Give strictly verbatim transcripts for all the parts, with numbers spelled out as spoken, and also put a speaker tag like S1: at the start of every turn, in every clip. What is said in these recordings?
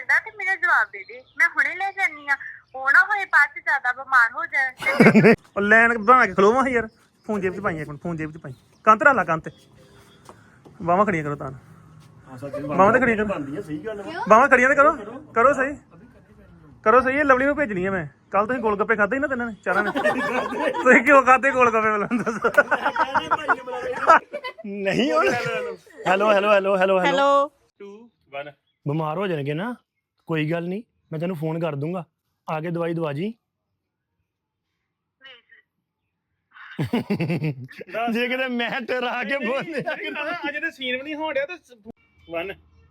S1: ਸਕਦਾ ਤੇ ਮੈਨੂੰ ਜਵਾਬ ਦੇ ਦੇ, ਮੈਂ ਹੁਣੇ ਲੈ ਜਾਨੀ ਆ। ਉਹ ਨਾ ਹੋਏ ਬਾਅਦ ਚ ਜ਼ਿਆਦਾ ਬਿਮਾਰ ਹੋ ਜਾਣ।
S2: ਉਹ ਲੈਣ ਬਣਾ ਕੇ ਖਲੋਵਾਂ ਯਾਰ। ਫੋਨ ਜੇਬ 'ਚ ਪਾਈ ਇੱਕ ਮਿੰਟ, ਫੋਨ ਜੇਬ 'ਚ ਪਾਈ। ਕੰਨ ਤੇ ਲਾ ਕੰਨ ਤੇ ਬਾਹਾਂ ਖੜੀਆਂ ਕਰੋ ਤਾਂ ਬਾਹਾਂ ਤੇ ਖੜੀਆਂ ਕਰੋ, ਬਾਹਾਂ ਖੜੀਆਂ ਤੇ ਕਰੋ ਕਰੋ ਸਹੀ ਕਰੋ ਸਹੀ। ਇਹ ਲਵਲੀ ਨੂੰ ਭੇਜਣੀ ਆ ਮੈਂ। ਕੱਲ ਤੁਸੀਂ ਗੋਲ ਗੱਪੇ ਖਾਦੇ ਸੀ ਨਾ ਤਿੰਨਾਂ ਨੇ ਚਾਰਾਂ ਨੇ। ਤੁਸੀਂ ਕਿਉਂ ਖਾਦੇ ਗੋਲ ਗੱਪੇ ਬੁਲਾ ਦੱਸ। ਨਹੀਂ ਹੁਣ hello hello hello hello
S3: hello
S2: two one ਬਿਮਾਰ ਹੋ ਜਾਣਗੇ ਨਾ, ਕੋਈ ਗੱਲ ਨਹੀਂ, ਮੈਂ ਤੈਨੂੰ ਫੋਨ ਕਰ ਦੂੰਗਾ, ਆ ਕੇ ਦਵਾਈ ਦਵਾ ਜੀ। ਜੇ ਕਿਤੇ ਮੈਂ ਟਰਾ ਕੇ ਬੋਲੇ ਅਜੇ ਤੇ ਸੀਨ ਵੀ ਨਹੀਂ ਹੋਣ ਡਿਆ ਤੇ ਵਨ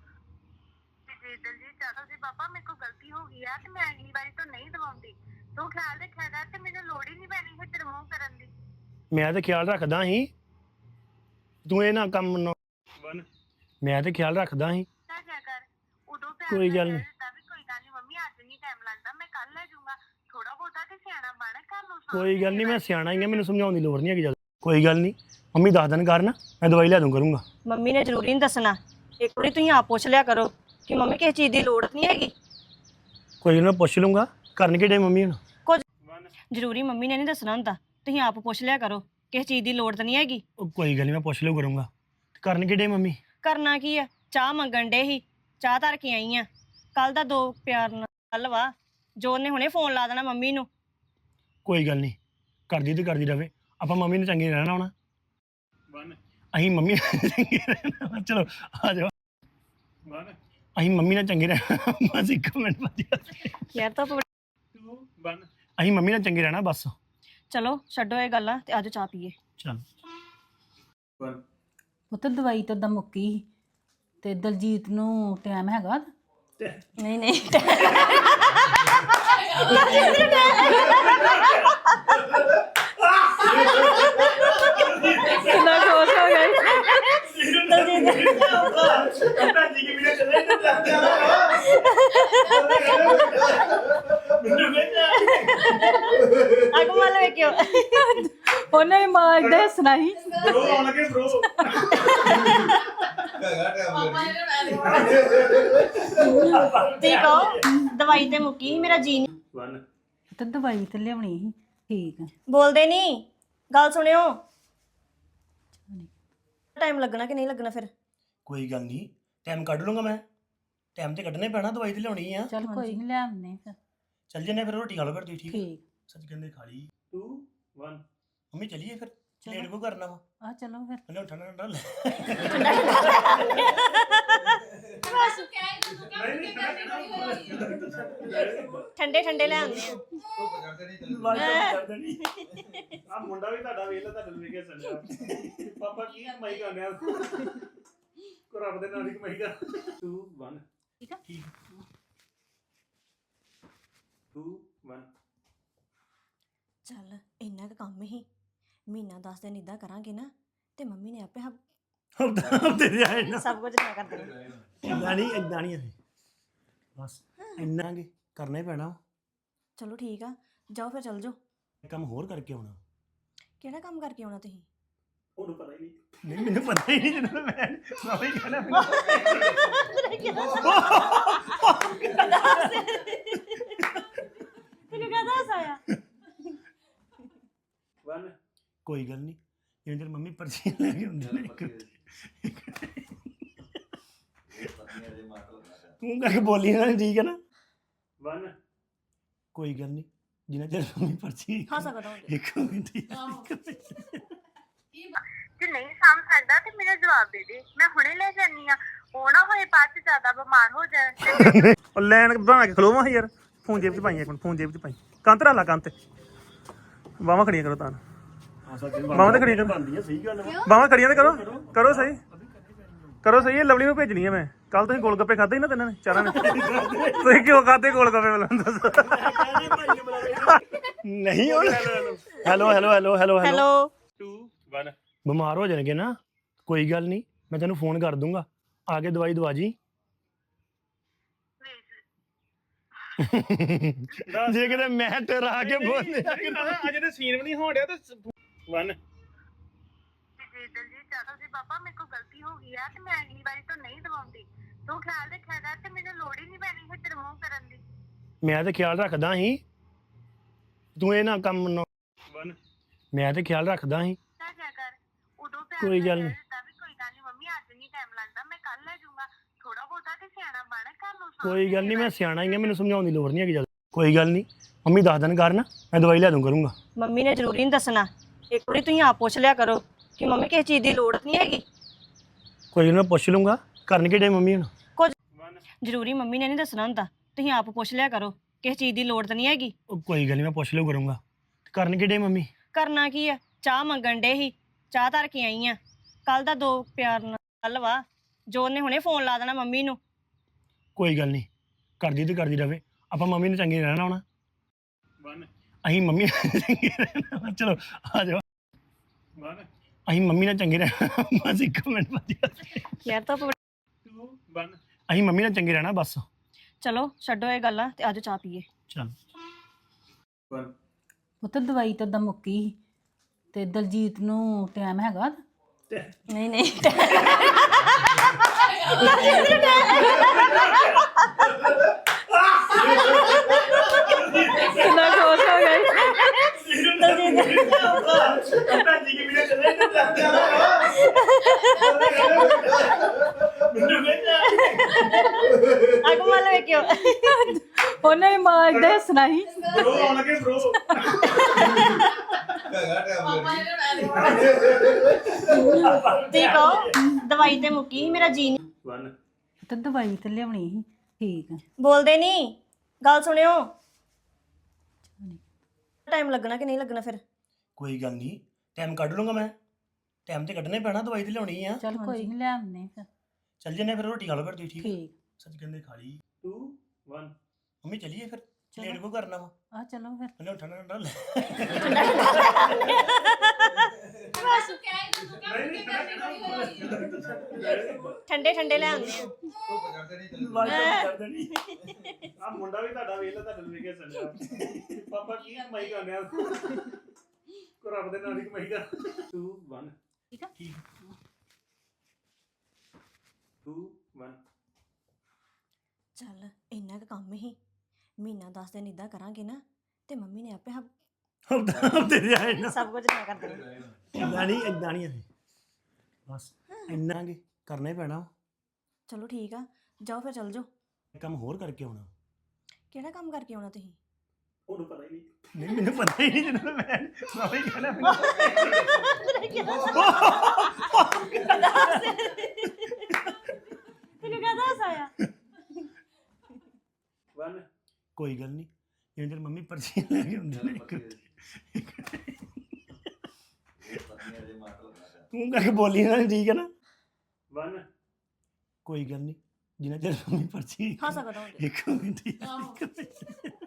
S1: ਦਲਜੀਤ ਚਾਚਾ ਜੀ ਬਾਬਾ ਮੇਰੇ ਕੋਲ ਗਲਤੀ ਹੋ ਗਈ ਆ ਤੇ ਮੈਂ ਅਗਲੀ ਵਾਰੀ ਤੋਂ ਨਹੀਂ ਦਵਾਉਂਦੀ। ਤੂੰ ਖਿਆਲ ਰੱਖਿਆ ਕਰ ਤੇ ਮੈਨੂੰ ਲੋੜ ਹੀ ਨਹੀਂ ਪੈਣੀ ਹੈ ਤੇਰੇ ਮੂੰਹ ਕਰਨ ਦੀ।
S2: ਮੈਂ ਤੇ ਖਿਆਲ ਰੱਖਦਾ ਸੀ, ਤੂੰ ਇਹ ਨਾ ਕੰਮ ਵਨ ਮੈਂ ਤੇ ਖਿਆਲ ਰੱਖਦਾ ਸੀ।
S1: ਕਿਆ ਕਰ ਉਦੋਂ
S2: ਕੋਈ ਗੱਲ ਨਹੀਂ,
S1: ਵੀ ਕੋਈ ਗੱਲ ਨਹੀਂ ਮੰਮੀ, ਅੱਜ ਨਹੀਂ ਟਾਈਮ ਲੱਗਦਾ, ਮੈਂ ਕੱਲ ਲੈ ਜਾਊਂਗਾ। ਥੋੜਾ ਬਹੁਤਾ ਤੇ ਸਿਆਣਾ ਬਣ ਘਰ ਨੂੰ।
S2: ਕੋਈ ਗੱਲ ਨਹੀਂ, ਮੈਂ ਸਿਆਣਾ ਹੀ ਆ, ਮੈਨੂੰ ਸਮਝਾਉਣ ਦੀ ਲੋੜ ਨਹੀਂ ਹੈਗੀ। ਜਦ ਕੋਈ ਗੱਲ ਨਹੀਂ, ਮੰਮੀ ਦੱਸ ਦੇਣ ਕਰਨ, ਮੈਂ ਦਵਾਈ ਲੈ ਦੂੰ ਕਰੂੰਗਾ।
S3: ਮੰਮੀ ਨੇ ਜ਼ਰੂਰੀ ਨਹੀਂ ਦੱਸਣਾ, ਇੱਕ ਵਾਰੀ ਤੁਸੀਂ ਆਪ ਪੁੱਛ ਲਿਆ ਕਰੋ ਕਿ ਮੰਮੀ ਕਿਸੇ ਚੀਜ਼ ਦੀ ਲੋੜ ਨਹੀਂ ਹੈਗੀ।
S2: ਕੋਈ ਨਾ ਪੁੱਛ ਲੂੰਗਾ, ਕਰਨ ਕਿਹੜੇ ਮੰਮੀ ਹੁਣ
S3: ਕੁਝ ਜ਼ਰੂਰੀ ਮੰਮੀ ਨੇ ਨਹੀਂ ਦੱਸਣਾ ਹੁੰਦਾ, ਤੁਸੀਂ ਆਪ ਪੁੱਛ ਲਿਆ ਕਰੋ ਕਿਸੇ ਚੀਜ਼ ਦੀ ਲੋੜ ਤਾਂ ਨਹੀਂ ਹੈਗੀ।
S2: ਉਹ ਕੋਈ ਗੱਲ ਨਹੀਂ, ਮੈਂ ਪੁੱਛ ਲਿਓ ਕਰੂੰਗਾ। ਕਰਨ ਕਿਹੜੇ ਮੰਮੀ
S3: ਕਰਨਾ ਕੀ ਆ, ਚਾਹ ਮੰਗਣ ਡੇ ਸੀ, ਚਾਹ ਧਰ ਕੇ ਆਈ ਆ। ਕੱਲ ਦਾ ਦੋ ਪਿਆਰ ਨਾਲ ਵਾ, ਜੋ ਨੇ ਹੁਣੇ ਫੋਨ ਲਾ ਦੇਣਾ ਮੰਮੀ ਨੂੰ।
S2: ਕੋਈ ਗੱਲ ਨਹੀਂ, ਕਰਦੀ ਤੇ ਕਰਦੀ ਰਵੇ, ਆਪਾਂ ਮੰਮੀ ਨੂੰ ਚੰਗੇ ਰਹਿਣਾ ਹੋਣਾ। ਅਸੀਂ ਮੰਮੀ ਨਾਲ ਚੰਗੇ ਰਹਿਣਾ, ਚਲੋ ਆ ਜਾਓ। ਅਸੀਂ ਮੰਮੀ ਨਾਲ ਚੰਗੇ ਰਹਿਣਾ ਬਸ, ਇੱਕ ਮਿੰਟ ਬਾਅਦ
S3: ਯਾਰ ਤਾਂ
S2: ਅਸੀਂ ਮੰਮੀ ਨਾਲ ਚੰਗੇ ਰਹਿਣਾ ਬਸ।
S3: ਚਲੋ ਛੱਡੋ ਇਹ ਗੱਲਾਂ ਤੇ ਆਜੋ ਚਾਹ ਪੀਏ।
S2: ਚਲ
S4: ਪੁੱਤ ਦਵਾਈ ਤਾਂ ਦਾ ਮੁੱਕੀ ਸੀ ਤੇ ਦਲਜੀਤ ਨੂੰ ਟਾਈਮ ਹੈਗਾ?
S3: ਨਹੀਂ ਨਹੀਂ ਕਿੰਨਾ ਖੁਸ਼ ਹੋ ਗਈ। ਅੱਗ ਮਲ ਵੇਖਿਓ,
S4: ਉਹਨੇ ਵੀ ਮਾਂ ਏਦਾਂ ਹੱਸਣਾ ਸੀ।
S3: ਤੁਸੀਂ ਕਹੋ ਦਵਾਈ ਤੇ ਮੁੱਕੀ ਸੀ, ਮੇਰਾ ਜੀ ਨਹੀਂ।
S4: ਤੇ ਦਵਾਈ ਤੇ ਲਿਆਉਣੀ ਸੀ। ਠੀਕ ਆ,
S3: ਬੋਲਦੇ ਨਹੀਂ, ਗੱਲ ਸੁਣਿਓ। ਟਾਈਮ ਲੱਗਣਾ ਕਿ ਨਹੀਂ ਲੱਗਣਾ ਫਿਰ?
S2: ਕੋਈ ਗੱਲ ਨਹੀਂ, ਟਾਈਮ ਕੱਢ ਲੂੰਗਾ ਮੈਂ। ਟਾਈਮ ਤੇ ਕੱਢਣਾ ਹੀ ਪੈਣਾ, ਦਵਾਈ ਤੇ ਲਿਆਉਣੀ ਆ।
S4: ਚਲ ਕੋਈ ਨਹੀਂ, ਲੈ ਆਉਂਦੇ ਫਿਰ।
S2: ਚੱਲ ਜੰਨੇ ਫਿਰ, ਰੋਟੀ ਖਾ ਲਓ ਫਿਰ ਤੁਸੀਂ। ਠੀਕ
S4: ਠੀਕ
S2: ਸੱਚ ਕਹਿੰਦੇ ਖਾ ਲਈ। ਟੂ ਵਨ ਮੰਮੀ ਚਲੀਏ ਫਿਰ, ਲੇਟ ਕੋ ਕਰਨਾ ਵਾ।
S4: ਆ ਚਲੋ ਫਿਰ।
S2: ਮੈਨੂੰ ਠੰਡਾ ਠੰਡਾ ਲੈ
S3: ਠੰਡੇ ਠੰਡੇ ਲੈ ਆਉਂਦੇ ਆ।
S2: ਆ ਮੁੰਡਾ ਵੀ ਤੁਹਾਡਾ ਵੇਖ ਲੈ, ਤੁਹਾਡੇ ਨੂੰ ਵੇਖ ਸੰਜਾ ਪਾਪਾ ਕੀ ਕਮਾਈ ਕਰਨੇ ਆ ਕੋ ਰੱਬ ਦੇ ਨਾਲ ਹੀ ਕਮਾਈ ਕਰ। ਟੂ ਵਨ
S4: ਠੀਕ ਆ,
S2: ਠੀਕ ਟੂ ਵਨ
S3: ਚੱਲ ਇੰਨਾ ਕੁ ਕੰਮ ਹੀ, ਮਹੀਨਾ ਦਸ ਦਿਨ ਇਦਾਂ ਕਰਾਂਗੇ ਨਾ ਤੇ ਮੰਮੀ ਨੇ ਆਪੇ
S2: ਹਫਤੇ ਦੇ ਆਏ ਨਾ।
S3: ਸਭ ਕੁਝ ਮੈਂ ਕਰ ਦੇਣਾ।
S2: ਇਦਾਂ ਨਹੀਂ, ਇਦਾਂ ਨਹੀਂ ਅਸੀਂ ਬਸ ਇੰਨਾ ਕਿ ਕਰਨਾ ਹੀ ਪੈਣਾ।
S3: ਚਲੋ ਠੀਕ ਆ, ਜਾਓ ਫਿਰ ਚੱਲ ਜਾਓ।
S2: ਕੰਮ ਹੋਰ ਕਰਕੇ ਆਉਣਾ।
S3: ਕਿਹੜਾ ਕੰਮ ਕਰਕੇ ਆਉਣਾ ਤੁਸੀਂ?
S2: ਉਹਨੂੰ ਪਤਾ ਹੀ ਨਹੀਂ। ਨਹੀਂ ਮੈਨੂੰ ਪਤਾ ਹੀ ਨਹੀਂ, ਜਦੋਂ ਮੈਂ ਮੈਂ ਵੀ ਕਹਿਣਾ
S3: ਤੈਨੂੰ ਕਹਦਾ ਹਸਾਇਆ?
S2: ਵਨ ਕੋਈ ਗੱਲ ਨਹੀਂ, ਜਿਵੇਂ ਤੇਰੀ ਮੰਮੀ ਪਰਚੀ ਲੈ ਕੇ ਹੁੰਦੀ ਨੇ ਤੂੰ ਕਰਕੇ ਬੋਲੀ ਨਾ, ਠੀਕ ਹੈ ਨਾ। ਵਨ ਕੋਈ ਗੱਲ ਨਹੀਂ, ਜਿੰਨਾ ਚਿਰ ਮੰਮੀ ਪਰਚੀ
S3: ਹਾਂ ਸਕਦਾ ਹੁੰਦਾ।
S2: ਇੱਕ ਮਿੰਟ
S1: ਜੇ ਨਹੀਂ ਸਾਂਭ ਸਕਦਾ ਤੇ ਮੈਨੂੰ ਜਵਾਬ ਦੇ ਦੇ, ਮੈਂ ਹੁਣੇ ਲੈ ਜਾਨੀ ਆ। ਉਹ ਨਾ ਹੋਏ ਬਾਅਦ ਚ ਜ਼ਿਆਦਾ ਬਿਮਾਰ ਹੋ ਜਾਣ।
S2: ਉਹ ਲੈਣ ਬਣਾ ਕੇ ਖਲੋਵਾਂ ਯਾਰ। ਫੋਨ ਜੇਬ 'ਚ ਪਾਈ ਇੱਕ ਮਿੰਟ, ਫੋਨ ਜੇਬ 'ਚ ਪਾਈ। ਕੰਨ ਤੇ ਲਾ ਕੰਨ ਤੇ ਬਾਹਾਂ ਖੜੀਆਂ ਕਰੋ ਤਾਂ ਬਾਹਾਂ ਤੇ ਖੜੀਆਂ ਕਰੋ, ਬਾਹਾਂ ਖੜੀਆਂ ਤੇ ਕਰੋ ਕਰੋ ਸਹੀ ਕਰੋ ਸਹੀ। ਇਹ ਲਵਲੀ ਨੂੰ ਭੇਜਣੀ ਆ ਮੈਂ। ਕੱਲ ਤੁਸੀਂ ਗੋਲ ਗੱਪੇ ਖਾਦੇ ਸੀ ਨਾ ਤਿੰਨਾਂ ਨੇ ਚਾਰਾਂ ਨੇ। ਤੁਸੀਂ ਕਿਉਂ ਖਾਦੇ ਗੋਲ ਗੱਪੇ ਬੁਲਾ ਦੱਸ। ਨਹੀਂ ਹੁਣ hello hello hello hello
S3: hello
S2: two one ਬਿਮਾਰ ਹੋ ਜਾਣਗੇ ਨਾ, ਕੋਈ ਗੱਲ ਨਹੀਂ, ਮੈਂ ਤੈਨੂੰ ਫੋਨ ਕਰ ਦੂੰਗਾ, ਆ ਕੇ ਦਵਾਈ ਦਵਾ ਜੀ। ਜੇ ਕਿਤੇ ਮੈਂ ਟਰਾ ਕੇ ਬੋਲੇ ਅਜੇ ਤੇ ਸੀਨ ਵੀ ਨਹੀਂ ਹੋਣ ਡਿਆ ਤੇ ਵਨ
S1: ਦਲਜੀਤ ਚਾਚਾ ਜੀ ਬਾਬਾ ਮੇਰੇ ਕੋਲ ਗਲਤੀ ਹੋ ਗਈ ਆ ਤੇ ਮੈਂ ਅਗਲੀ ਵਾਰੀ ਤੋਂ ਨਹੀਂ ਦਵਾਉਂਦੀ। ਤੂੰ ਖਿਆਲ ਰੱਖਿਆ ਕਰ ਤੇ ਮੈਨੂੰ ਲੋੜ ਹੀ ਨਹੀਂ ਪੈਣੀ ਹੈ ਤੇਰੇ
S5: ਮੈਂ ਤੇ ਖਿਆਲ ਰੱਖਦਾ ਸੀ ਤੂੰ ਇਹ ਨਾ ਕੰਮ ਨਾ ਮੈਂ ਤੇ ਖਿਆਲ ਰੱਖਦਾ ਸੀ
S1: ਤਾਂ ਜਾ ਕਰ ਉਦੋਂ ਪਿਆਰ
S5: ਕੋਈ
S1: ਨਾਲ
S5: ਗੱਲ
S1: ਕਹਿ
S5: ਨੀ।
S1: ਦਿੱਤਾ ਵੀ ਕੋਈ ਗੱਲ ਨਹੀਂ ਮੰਮੀ ਅੱਜ ਨਹੀਂ ਟਾਈਮ ਲੱਗਦਾ ਮੈਂ ਕੱਲ ਲੈ ਜਾਊਂਗਾ ਥੋੜਾ ਬਹੁਤਾ ਤੇ ਸਿਆਣਾ ਬਣ ਘਰ ਨੂੰ ਸਾਂਭ
S5: ਕੋਈ ਗੱਲ ਨਹੀਂ ਮੈਂ
S1: ਕੇ
S5: ਸਿਆਣਾ ਹੀ ਆ ਮੈਨੂੰ ਸਮਝਾਉਣ ਦੀ ਲੋੜ ਨਹੀਂ ਹੈਗੀ ਜਦ ਕੋਈ ਗੱਲ ਨਹੀਂ ਮੰਮੀ ਦੱਸ ਦੇਣ ਕਰਨ ਮੈਂ ਦਵਾਈ ਲੈ ਦੂੰ ਕਰੂੰਗਾ
S3: ਮੰਮੀ ਨੇ ਜ਼ਰੂਰੀ ਨਹੀਂ ਦੱਸਣਾ ਇੱਕ ਵਾਰੀ ਤੁਸੀਂ ਆਪ ਪੁੱਛ ਲਿਆ ਕਰੋ ਕਿ ਮੰਮੀ ਕਿਸੇ ਚੀਜ਼ ਦੀ ਲੋੜ ਨਹੀਂ ਹੈਗੀ
S5: ਕੋਈ ਨਾ ਪੁੱਛ ਲੂੰਗਾ ਕਰਨ ਕਿਹੜੇ ਮੰਮੀ ਹੁਣ
S3: ਕੁਝ ਜ਼ਰੂਰੀ ਮੰਮੀ ਨੇ ਨਹੀਂ ਦੱਸਣਾ ਹੁੰਦਾ ਤੁਸੀਂ ਆਪ ਪੁੱਛ ਲਿਆ ਕਰੋ ਕਿਸੇ ਚੀਜ਼ ਦੀ ਲੋੜ ਤਾਂ ਨਹੀਂ ਹੈਗੀ
S5: ਉਹ ਕੋਈ ਗੱਲ ਨਹੀਂ ਮੈਂ ਪੁੱਛ ਲਿਓ ਕਰੂੰਗਾ ਕਰਨ ਕਿਹੜੇ ਮੰਮੀ
S3: ਕਰਨਾ ਕੀ ਆ ਚਾਹ ਮੰਗਣ ਡੇ ਸੀ ਚਾਹ ਧਰ ਕੇ ਆਈ ਆ ਕੱਲ ਦਾ ਦੋ ਪਿਆਰ ਨਾਲ ਵਾ ਜੋਨ ਨੇ ਹੁਣੇ ਫੋਨ ਲਾ ਦੇਣਾ ਮੰਮੀ ਨੂੰ
S5: ਕੋਈ ਗੱਲ ਨਹੀਂ ਕਰਦੀ ਤੇ ਕਰਦੀ ਰਵੇ ਆਪਾਂ ਮੰਮੀ ਨੂੰ ਚੰਗੇ ਰਹਿਣਾ ਹੋਣਾ ਅਸੀਂ ਮੰਮੀ ਨਾਲ ਚੰਗੇ ਰਹਿਣਾ ਚਲੋ ਆ ਜਾਓ ਅਸੀਂ ਮੰਮੀ ਨਾਲ ਚੰਗੇ ਰਹਿਣਾ ਬਸ ਇੱਕ ਮਿੰਟ ਬਾਅਦ
S3: ਯਾਰ ਤਾਂ
S5: ਅਸੀਂ ਮੰਮੀ ਨਾਲ ਚੰਗੇ ਰਹਿਣਾ ਬਸ
S3: ਚਲੋ ਛੱਡੋ ਇਹ ਗੱਲਾਂ ਤੇ ਆਜੋ ਚਾਹ ਪੀਏ
S5: ਚਲ
S4: ਪੁੱਤ ਦਵਾਈ ਤਾਂ ਦਾ ਮੁੱਕੀ ਸੀ ਤੇ ਦਲਜੀਤ ਨੂੰ ਟਾਈਮ ਹੈਗਾ
S3: ਨਹੀਂ ਨਹੀਂ ਕਿੰਨਾ ਖੁਸ਼ ਹੋ ਗਈ ਅਗਮਲ ਵੇਖਿਓ
S4: ਉਹਨੇ ਮਾਂ ਦੇ ਸੁਣਾਈ
S3: ਤੇ ਕਹੋ ਦਵਾਈ ਤੇ ਮੁੱਕੀ ਸੀ, ਮੇਰਾ ਜੀ ਨਹੀਂ
S4: ਤੇ ਦਵਾਈ ਤੇ ਲਿਆਉਣੀ ਸੀ ਠੀਕ ਹੈ
S3: ਬੋਲਦੇ ਨਹੀਂ ਗੱਲ ਸੁਣਿਓ ਟਾਈਮ ਲੱਗਣਾ ਕਿ ਨਹੀਂ ਲੱਗਣਾ ਫਿਰ
S5: ਕੋਈ ਗੱਲ ਨਹੀਂ ਟਾਈਮ ਕੱਢ ਲੂੰਗਾ ਮੈਂ ਟਾਈਮ ਤੇ ਕੱਢਣਾ ਹੀ ਪੈਣਾ ਦਵਾਈ ਤੇ ਲਿਆਉਣੀ ਆ
S4: ਚਲ ਕੋਈ ਨਹੀਂ ਲਿਆਉਣੇ ਫਿਰ
S5: ਚੱਲ ਜੰਨੇ ਫਿਰ ਰੋਟੀ ਖਾ ਲਓ ਫਿਰ ਤੁਸੀਂ ਠੀਕ ਹੈ?
S4: ਠੀਕ
S5: ਸੱਚ ਕਹਿੰਦੇ ਖਾ ਲਈ ਦੋ ਇੱਕ ਮੰਮੀ ਚੱਲੀਏ ਫਿਰ ਲੇਟ ਕੋ ਕਰਨਾ ਵਾ
S4: ਆ ਚਲੋ ਫਿਰ
S5: ਉਹਨੇ ਠੰਡਾ ਠੰਡਾ ਲੈ
S3: ਠੰਡੇ ਠੰਡੇ ਲੈ ਆਉਂਦੇ ਆ
S2: ਆ ਮੁੰਡਾ ਵੀ ਤੁਹਾਡਾ ਵੇਖ ਲੈ ਤੁਹਾਡੇ ਨੂੰ ਵੇਖਿਆ ਚੱਲਿਆ ਪਾਪਾ ਕੀ ਕਮਾਈ ਕਰਨਿਆ ਕੋ ਰੱਬ ਦੇ ਨਾਲ ਦੀ ਕਮਾਈ ਕਰ ਦੋ ਇੱਕ
S4: ਠੀਕ ਆ
S5: ਠੀਕ
S2: ਦੋ ਇੱਕ
S3: ਚੱਲ ਇੰਨਾ ਕੁ ਕੰਮ ਹੀ ਮਹੀਨਾ ਦਸ ਦਿਨ ਇਦਾਂ ਕਰਾਂਗੇ ਨਾ ਤੇ ਮੰਮੀ ਨੇ ਆਪੇ ਹੱਬ-
S5: ਹਫਤੇ ਦੇ ਆਏ ਨਾ
S3: ਸਭ ਕੁਝ ਮੈਂ ਕਰ ਦੇਣਾ
S5: ਇਦਾਂ ਨਹੀਂ ਇਦਾਂ ਨਹੀਂ ਅਸੀਂ ਬਸ ਇੰਨਾ ਕਿ ਕਰਨਾ ਹੀ ਪੈਣਾ ਵਾ।
S3: ਚਲੋ ਠੀਕ ਆ ਜਾਓ ਫਿਰ ਚੱਲ ਜਾਓ
S5: ਇਹ ਕੰਮ ਹੋਰ ਕਰਕੇ ਆਉਣਾ
S3: ਕਿਹੜਾ ਕੰਮ ਕਰਕੇ ਆਉਣਾ ਤੁਸੀਂ
S2: ਉਹਨੂੰ ਪਤਾ ਹੀ ਨਹੀਂ
S5: ਨਹੀਂ ਮੈਨੂੰ ਪਤਾ ਹੀ ਨਹੀਂ ਜਦੋਂ ਮੈਂ ਮੈਂ ਵੀ ਕਹਿਣਾ
S3: ਤੈਨੂੰ ਕਹਦਾ ਹਸਾਇਆ
S2: ਵਨ
S5: ਕੋਈ ਗੱਲ ਨਹੀਂ ਜਿਵੇਂ ਤੇਰੀ ਮੰਮੀ ਪਰਚੀ ਲੈ ਕੇ ਹੁੰਦੀ ਨੇ ਤੂੰ ਕਰਕੇ ਬੋਲੀ ਨਾ ਠੀਕ ਹੈ ਨਾ
S2: ਵਨ
S5: ਕੋਈ ਗੱਲ ਨਹੀਂ ਜਿੰਨਾ ਚਿਰ ਮੰਮੀ ਪਰਚੀ
S3: ਹੱਸ ਸਕਦਾ
S5: ਇੱਕ ਮਿੰਟ